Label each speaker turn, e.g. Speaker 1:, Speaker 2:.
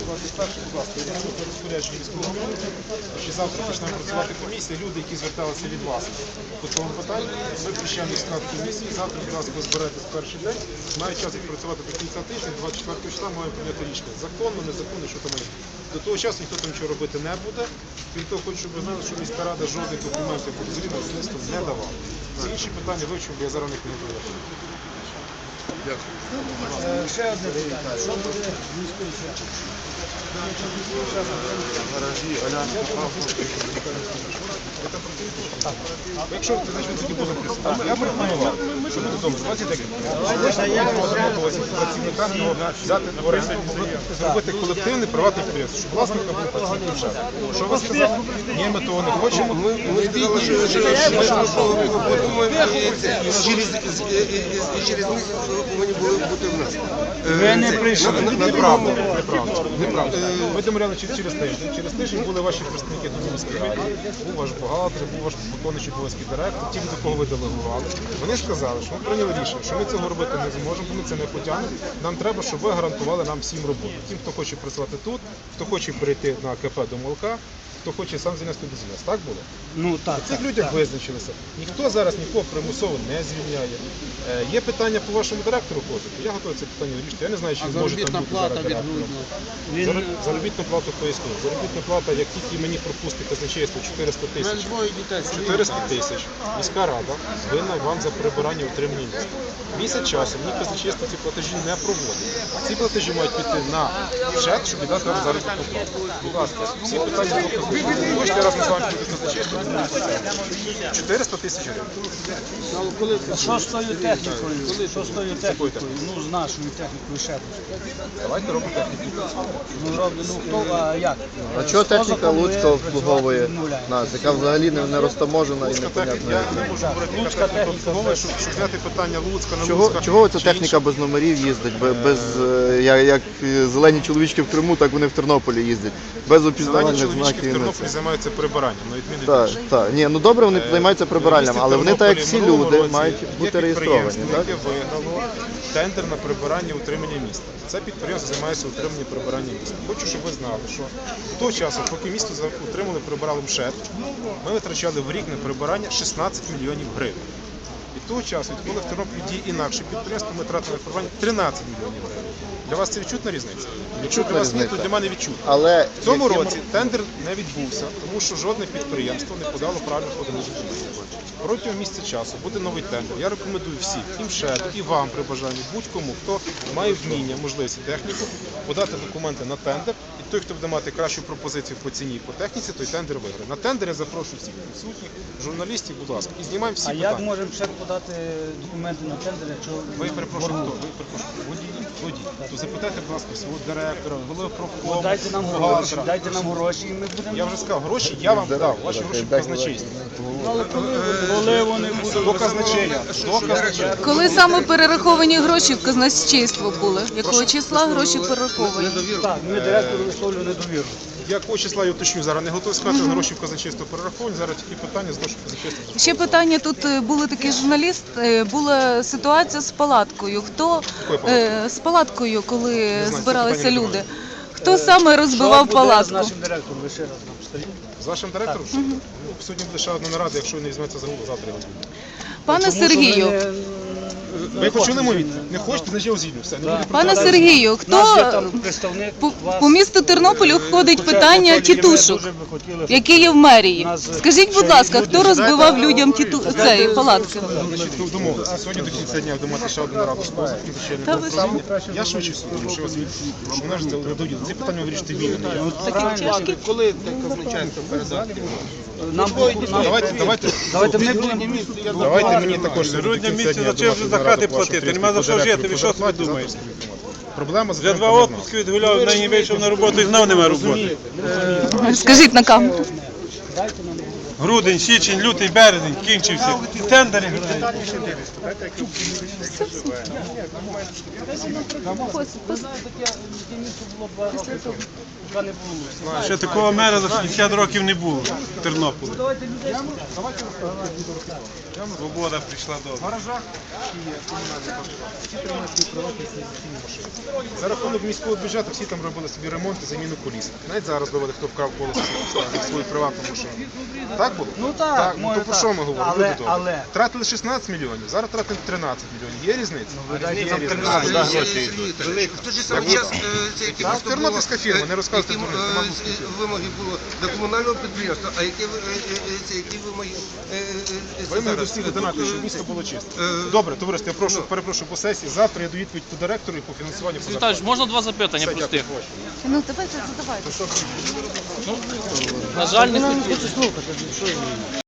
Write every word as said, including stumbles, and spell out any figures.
Speaker 1: двадцять перший, будь ласка, я по розпорядженню міського голови, що завтра почнемо працювати комісія. Люди, які зверталися від вас по цьому питанню, ми включаємо їх в склад комісії. Завтра, будь ласка, ви зберетесь в перший день. Мають час відпрацювати до кінця тижня, двадцять четвертого числа маємо прийняти рішення. Законно, незаконно, що там має. До того часу ніхто там нічого робити не буде. Крім того, хочу, щоб ви знали, що міська рада жодних документів по дозвілі на будівництво не давала. Ці інші питання вивчив, бо я зараз не підготую.
Speaker 2: Дякую.
Speaker 3: Ще одне питання. Що буде в міської церкві?
Speaker 2: Гаражі, Алянська,
Speaker 1: Якщо ти значить, ви тоді будемо присутні. Я пропонував, що буде добре, двадцять декілька. Працівникам його взяти в оренду, зробити колективне приватне підприємство, щоб власникам був працівник бюджет. Що ви сказали? Ні, ми того не хочемо.
Speaker 2: Ми сказали, що через них повинні були бути в нас.
Speaker 3: Ви не прийшли.
Speaker 1: Неправда, неправда, неправда. Ми домовляли через тиждень. Через тиждень були ваші представники до міської ради, був ваш бухгалтер, був ваш виконуючий обов'язки директор, ті, до кого ви делегували. Вони сказали, що ми прийняли рішення, що ми цього робити не зможемо, бо ми це не потягнемо. Нам треба, щоб ви гарантували нам всім роботу. Тим, хто хоче працювати тут, хто хоче перейти на КП до молока, хто хоче сам занести бізнес. Так було?
Speaker 3: Ну так.
Speaker 1: Цих людях визначилися. Ніхто зараз нікого примусово не звільняє. Е, є питання по вашому директору ходити. Я готовий це питання вирішити. Я не знаю, чи зможе там бути зараз директором.
Speaker 3: Він...
Speaker 1: Зароб- Заробітну плату поясню. Заробітна плата, як тільки мені пропустить казначейство чотириста тисяч. чотириста тисяч. Міська рада винна вам за прибирання утримання міста. Місяць часу мені казначейство ці платежі не проводить. Ці платежі мають піти на бюджет, щоб віддати вам заробітну плату. Будь ласка, всі питання доказують. Хочете разом з вами буде казначейство? чотириста тисяч гривень.
Speaker 3: Що з тою технікою? Що з тою технікою? Ну, з нашою технікою ще.
Speaker 1: Давайте робимо техніку.
Speaker 3: Ну, роблю, ну, хто, а як?
Speaker 4: А чого техніка Луцька обслуговує
Speaker 3: відмовляє?
Speaker 4: нас, яка взагалі не, не розтаможена і
Speaker 1: Луцька техніка,
Speaker 4: непонятна?
Speaker 1: я не можу говорити, яка
Speaker 3: Луцька
Speaker 1: техніка
Speaker 3: техніка,
Speaker 1: обслуговує, щоб щоб зняти питання Луцька, не
Speaker 4: Чого,
Speaker 1: Луцька.
Speaker 4: чого ця
Speaker 1: чи
Speaker 4: техніка
Speaker 1: інше.
Speaker 4: без номерів їздить? Бе- Без, е, як, як зелені чоловічки в Криму, так вони в Тернополі їздять. Без
Speaker 1: Зелені
Speaker 4: опізнавальних
Speaker 1: чоловічки в
Speaker 4: знаків.
Speaker 1: Тернополі займаються прибиранням, на відміну від
Speaker 4: Так,
Speaker 1: інших.
Speaker 4: так. Ні, ну добре, вони
Speaker 1: Е,
Speaker 4: займаються прибиральням,
Speaker 1: в
Speaker 4: але вони, так як
Speaker 1: місті
Speaker 4: всі
Speaker 1: Тернополі в
Speaker 4: люди,
Speaker 1: минулому
Speaker 4: мають
Speaker 1: році
Speaker 4: бути
Speaker 1: є
Speaker 4: реєстровані.
Speaker 1: підприємство,
Speaker 4: Так?
Speaker 1: яке виграло тендер на прибирання і утримання міста. Це підприємство займається утриманням і прибиранням міста. Хочу, щоб ви знали, що до того часу, поки місто за- утримали, прибирали МШЕТ, ми витрачали в рік на прибирання шістнадцять мільйонів гривень. Від того часу, відколи в Тернополі діє інакше підприємство, ми тратили на прибирання тринадцять мільйонів гривень. Для вас це відчутна різниця? Якщо для вас ні, то
Speaker 4: різниця.
Speaker 1: для мене відчутна.
Speaker 4: Але
Speaker 1: В цьому
Speaker 4: яким-
Speaker 1: році тендер не відбувся, тому що жодне підприємство не подало правильно поданих документів. Протягом місяця часу буде новий тендер. Я рекомендую всім, і МШЕД, і вам при бажанні, будь-кому, хто має вміння, можливість і техніку, подати документи на тендер. І той, хто буде мати кращу пропозицію по ціні і по техніці, той тендер виграє. На тендер я запрошую всіх присутніх, журналістів, будь ласка, і знімаємо всі
Speaker 3: А як
Speaker 1: питання.
Speaker 3: можемо ще подати документи на тендер, якщо...
Speaker 1: Ви перепрошую, хто? Ви перепрошую, водій, водій. То запитайте, будь ласка, свого директора, голови
Speaker 3: Ну,
Speaker 1: профкому,
Speaker 3: дайте нам гроші,
Speaker 1: бухгалтера.
Speaker 3: дайте нам гроші, і ми будемо...
Speaker 1: Я вже сказав, гроші я вам дав, ваші гроші в казначействі.
Speaker 3: Коли вони будуть...
Speaker 1: До казначея, до казначея.
Speaker 5: Коли саме перераховані гроші в казначейство були? Якого числа гроші перераховані?
Speaker 3: Так, ми директору висловлюємо недовіру.
Speaker 1: Якого числа я уточню, зараз не готовий сказати, гроші в казначейство перераховані, зараз тільки питання з нашого казначейства.
Speaker 5: Ще питання, тут е, були такі журналіст, е, була ситуація з палаткою. Хто
Speaker 1: Якою
Speaker 5: е, з палаткою, коли
Speaker 1: знаю, це
Speaker 5: збиралися
Speaker 1: питання не
Speaker 5: люди?
Speaker 1: до
Speaker 5: Хто саме розбивав
Speaker 3: Що буде з
Speaker 5: палатку?
Speaker 3: нашим директором? Ви ще раз нам скажіть.
Speaker 1: З вашим директором? Ну, сьогодні буде ще одна нарада, якщо він не візьметься за голову, завтра його звільнять.
Speaker 5: Пане
Speaker 3: Тому що
Speaker 5: Сергію,
Speaker 3: ми не-
Speaker 1: Ви почули мою відповідь? Не хочете, значить я його звільню. Все, не буде
Speaker 5: пане
Speaker 1: питань.
Speaker 5: Сергію,
Speaker 3: У нас є
Speaker 5: хто
Speaker 3: там представник
Speaker 5: по,
Speaker 3: вас.
Speaker 5: по місту Тернополю входить
Speaker 3: Хоча
Speaker 5: питання
Speaker 3: Анатолій, ми
Speaker 5: тітушок,
Speaker 3: дуже би хотіли, щоб
Speaker 5: які є в мерії?
Speaker 3: нас
Speaker 5: Скажіть, будь
Speaker 3: ще
Speaker 5: ласка,
Speaker 3: люди
Speaker 5: хто розбивав людям тіту цієї палатки?
Speaker 1: Значить, ну, домовилися. Сьогодні до кінця дня буде мати ще одну нараду з позовком,
Speaker 5: Та ви
Speaker 1: звичайно. Я швидше суду, тому що я вас звільню. Тому що мене ж це не дойде. Ці питання ви вирішите вільно. не я.
Speaker 5: Такі
Speaker 2: Коли казначейство передати?
Speaker 3: нам, нам
Speaker 1: Давайте, давайте,
Speaker 3: давайте ми будемо
Speaker 1: давайте мені також
Speaker 6: Грудня місяця за чим вже за хати платити? Нема за що жити, ви що собі думаєте?
Speaker 1: Проблема з
Speaker 6: Вже два відпуски відгуляв, нині вийшов на роботу і знов нема роботи.
Speaker 5: Скажіть на камеру.
Speaker 3: дайте нам
Speaker 6: Грудень, січень, лютий, березень, кінчився. Тендери грають. Ще такого мера за шістдесят років не було в Тернополі. Свобода прийшла до.
Speaker 1: В гаражах і є комунальні паспорти. Всі тримають приватні інвестиційні машини. За рахунок міського бюджету всі там робили собі ремонт і заміну коліс. Навіть зараз довели, хто вкрав колесо на свою приватну машину. Так було?
Speaker 3: Ну так,
Speaker 1: ну
Speaker 3: може
Speaker 1: то про
Speaker 3: так.
Speaker 1: що ми говоримо?
Speaker 3: Але-
Speaker 1: Люди добрі.
Speaker 3: але-
Speaker 1: Тратили шістнадцять мільйонів, зараз тратимо тринадцять мільйонів. Є різниця?
Speaker 3: Різниця в
Speaker 1: Є
Speaker 3: тринадцять.
Speaker 1: різниця.
Speaker 2: гроші йдуть. В той же самий час, е, це які
Speaker 1: Так,
Speaker 2: просто
Speaker 1: тернопільська
Speaker 2: було,
Speaker 1: фірма,
Speaker 2: е,
Speaker 1: не розказуйте
Speaker 2: які,
Speaker 1: дурниць,
Speaker 2: е,
Speaker 1: нема
Speaker 2: е,
Speaker 1: русської фірми.
Speaker 2: вимоги було до комунального підприємства, а які, ви- е, е, це, які вимоги е, е,
Speaker 1: Ви мені до
Speaker 2: зараз?
Speaker 1: всіх
Speaker 2: Тут,
Speaker 1: донати,
Speaker 2: е,
Speaker 1: щоб місто було чисто.
Speaker 2: е,
Speaker 1: Добре, товариство, я прошу,
Speaker 2: ну.
Speaker 1: перепрошую по сесії. Завтра я даю відповідь по директору і по фінансуванню. по
Speaker 7: Віталійович,
Speaker 1: зарплаті.
Speaker 7: можна два запитання
Speaker 1: Все,
Speaker 7: простих?
Speaker 1: дякую.
Speaker 5: Ну давайте задавайте.
Speaker 7: На жаль, не хотів.